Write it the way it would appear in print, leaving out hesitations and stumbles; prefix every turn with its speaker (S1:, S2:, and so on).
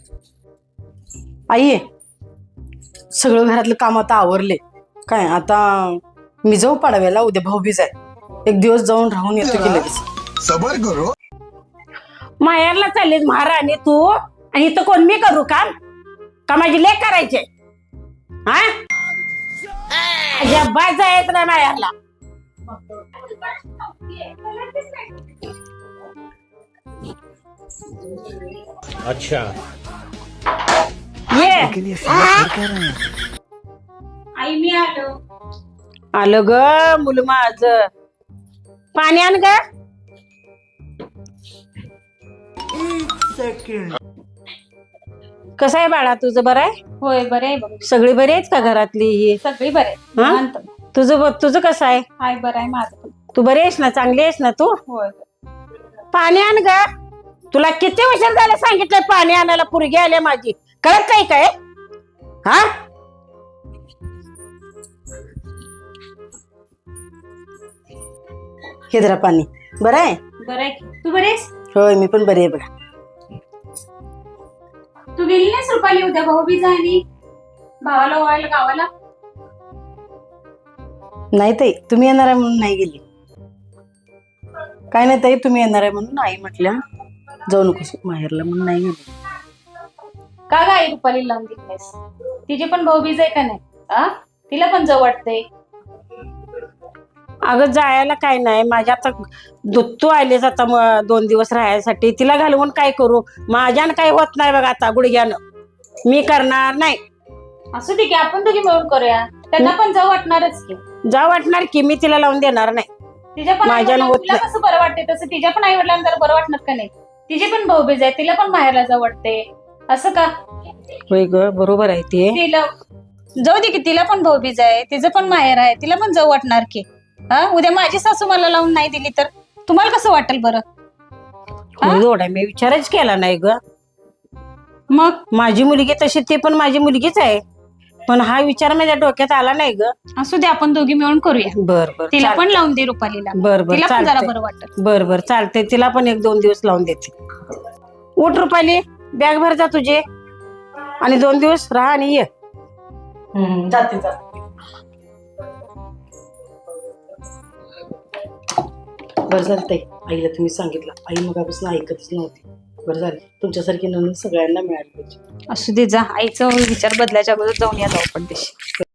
S1: आई सगळं घरातलं काम आता आवरले काय आता मी जाऊ पाडव्याला उद्या भाऊबीज आहे एक दिवस जाऊन राहून येतो की लगेच
S2: सबर करो
S3: माहेरला चाललीस महाराणी तू आणि इथं कोण मी करू काम का माझी लेक करायचे हा अजिबात जायचं नाही माहेरला
S4: अच्छा
S3: ये
S5: आई मी आलो.
S3: आलं ग मुलं माझ पाणी आण ग कसं आहे बाळा तुझं बरं आहे
S5: होय बरे आहे बघ.
S3: सगळी बरी आहेत का घरातली ही
S5: सगळी बरे
S3: हा? तुझं कसं आहे
S5: हाय बरं आहे माझं पण.
S3: तू बरी आहेस ना चांगली आहेस ना तू
S5: होय
S3: पाणी आण ग तुला किती वर्ष झालं सांगितलंय पाणी आणायला पुरगी आली माझी कळत नाही काय हा
S1: हे जरा पाणी बरं आहे
S5: बरं आहे की. तू बरी आहेस?
S1: होय मी पण बरी आहे बघा
S5: तू गेली नाहीस रुपाली उद्या भाऊबीज आहे आणि भावाला ओवायला गावाला?
S1: नाही ताई तुम्ही येणार आहे म्हणून नाही गेली काय नाही ताई तुम्ही येणार आहे म्हणून आई म्हटल्या जाऊ नकोस माहेरला म्हणून नाही गेली
S5: का ग आई रुपाली लावून दिली नाहीस? तिची पण भाऊबीज आहे का नाही आ तिला पण जाऊ वाटतंय.
S3: अगं जायला काय नाही माझ्या आता तू आलीस आता 2 दिवस राहायसाठी तिला घालवून काय करू माझ्यानं काही होत नाही बघा आता गुडघ्यानं मी करणार नाही
S5: असू दे की आपण दोघी मिळून करूया त्यांना पण जाऊ वाटणारच की.
S3: जा वाटणार की मी तिला लावून देणार नाही
S5: तिच्या पण
S3: माझ्यानं
S5: आई-वडिलांना
S3: होत
S5: तुला
S3: नाही.
S5: कसं बरं वाटते तसं तिच्या पण आई वडिलांना जरा बरं वाटणार का नाही. तिची पण भाऊबीज आहे तिला पण माहेरला जाऊ वाटते असं का
S3: होय ग बरोबर आहे ते
S5: तिला जाऊ दे की तिला पण भाऊबीज आहे तिचं पण माहेर आहे तिला पण जाऊ वाटणार की. हा उद्या माझी सासू मला लावून नाही दिली तर तुम्हाला कसं वाटेल बरं.
S3: होय एवढा मी विचारच केला नाही ग
S5: मग
S3: माझी मुलगी तशी ती पण माझी मुलगीच आहे पण हा विचार माझ्या डोक्यात आला नाही ग
S5: असू दे आपण दोघी मिळून करूया.
S3: बर बर
S5: तिला पण लावून दे रुपालीला.
S3: बर बर
S5: तिला पण जरा
S3: चालतंय.
S5: बरं वाटत.
S3: बर बर चालते तिला पण 1-2 दिवस लावून देते उठ रुपाली बॅग भर जा तुझे आणि 2 दिवस राहा आणि ये
S1: जाते जाते बरं झालं ताई आईला तुम्ही सांगितलं आई मगापासून ऐकतच नव्हती बरं झालं तुमच्यासारखी नवीन सगळ्यांना मिळाली पाहिजे
S5: असू दे जा आईचा विचार बदलायच्या अगोदर जाऊन या जाऊ पण दिशी.